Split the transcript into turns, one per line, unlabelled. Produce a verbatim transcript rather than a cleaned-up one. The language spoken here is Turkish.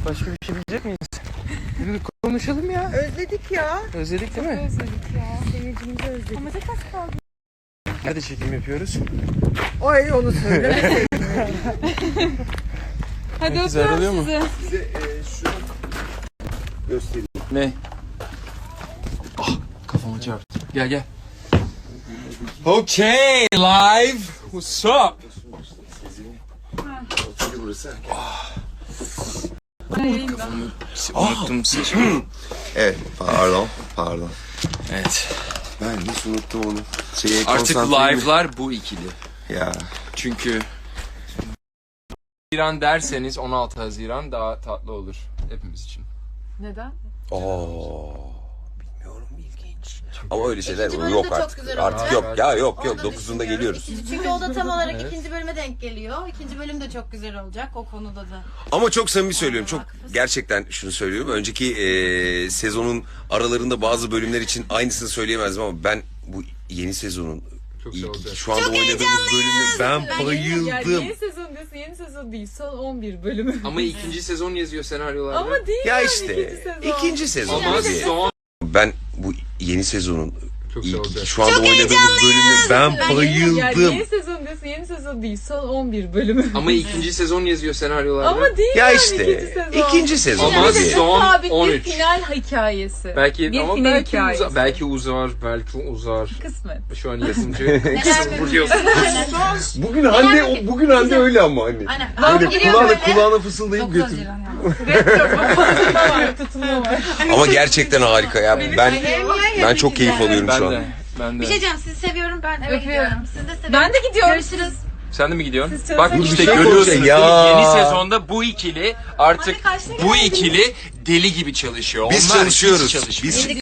Başka bir şey bilecek miyiz? Bir konuşalım ya.
Özledik ya.
Özledik değil mi?
Özledik ya.
Seyircimizi özledik.
Ama çok az kaldı.
Nerede çekim yapıyoruz?
Ay onu söyle.
Hadi
Herkes
öpüyorum
ayrılıyor mu?
sizi.
Size e, şunu göstereyim.
Ne? Ah, kafama çarptı. Gel gel.
Okay, live. What's up?
Otel burası.
Unuttum saçımı.
Evet, pardon, pardon.
Evet.
Ben hiç unuttum onu. Şeye
Artık
konsantreyim.
live'lar bu ikili.
Ya.
Çünkü Haziran derseniz on altı Haziran daha tatlı olur hepimiz için.
Neden?
Oo. Bilmiyorum, ilginç. Ama öyle şeyler
İkinci bölüm
yok
de çok
artık.
güzel
Artık
olacak.
yok. Ya yok
Onu
yok.
da
dokuzunda
düşünüyorum.
geliyoruz.
İkinci- Çünkü o da tam olarak ikinci bölüme denk geliyor. İkinci bölüm de çok güzel olacak o konuda da.
Ama çok samimi söylüyorum. Çok gerçekten şunu söylüyorum. Önceki e, sezonun aralarında bazı bölümler için aynısını söyleyemezdim ama ben bu yeni sezonun
Çok
ilk-
güzel olacak.
şu anda oynadığımız bölümü ben
Yani
bayıldım.
yeni sezon diyorsun, yeni sezon değil. Son on bir bölümü.
Ama ikinci sezon yazıyor senaryolarda.
Ama değil
Ya
yani
işte
ikinci sezon.
ikinci sezon.
Ama
tabii.
son
Ben bu yeni sezonun
çok güzel
ilk,
olacak.
şu anda oynadığımız bölümü ben
Yani
bayıldım.
yeni sezon diyorsun, yeni sezon değil. Son on bir bölümü.
Ama ikinci sezon yazıyor senaryolarda.
Ama değil
Ya
yani
işte
ikinci sezon.
ikinci sezon.
Ama
tabii.
son
sabit
on
bir
üç.
final hikayesi.
Belki
bir
ama
final
belki
hikayesi.
uzar, belki uzar, belki uzar.
Kısmet.
Şu an yazımcı vuruyorsun.
Bugün Hande bugün Hande öyle ama hani.
Aynen.
Böyle kulağına kulağına fısıldayıp götür.
Tutulma var.
Ama gerçekten harika ya. Ben ben çok keyif alıyorum
Ben
şu
de.
an.
Ben
Bir
de.
şey diyeceğim, sizi seviyorum, ben eve
Öpüyorum.
gidiyorum. Siz de seviyorum.
Ben de gidiyorum.
Görüşürüz.
Sen de mi gidiyorsun?
Siz
Bak
çalışın.
işte
Bir şey
görüyorsunuz
olacak
değil mi?
ya.
Yeni sezonda bu ikili artık
Hadi kaçta
bu
geldiniz?
ikili deli gibi çalışıyor.
Biz
Onlar hiç
çalışıyoruz.
çalışmıyor.
Biz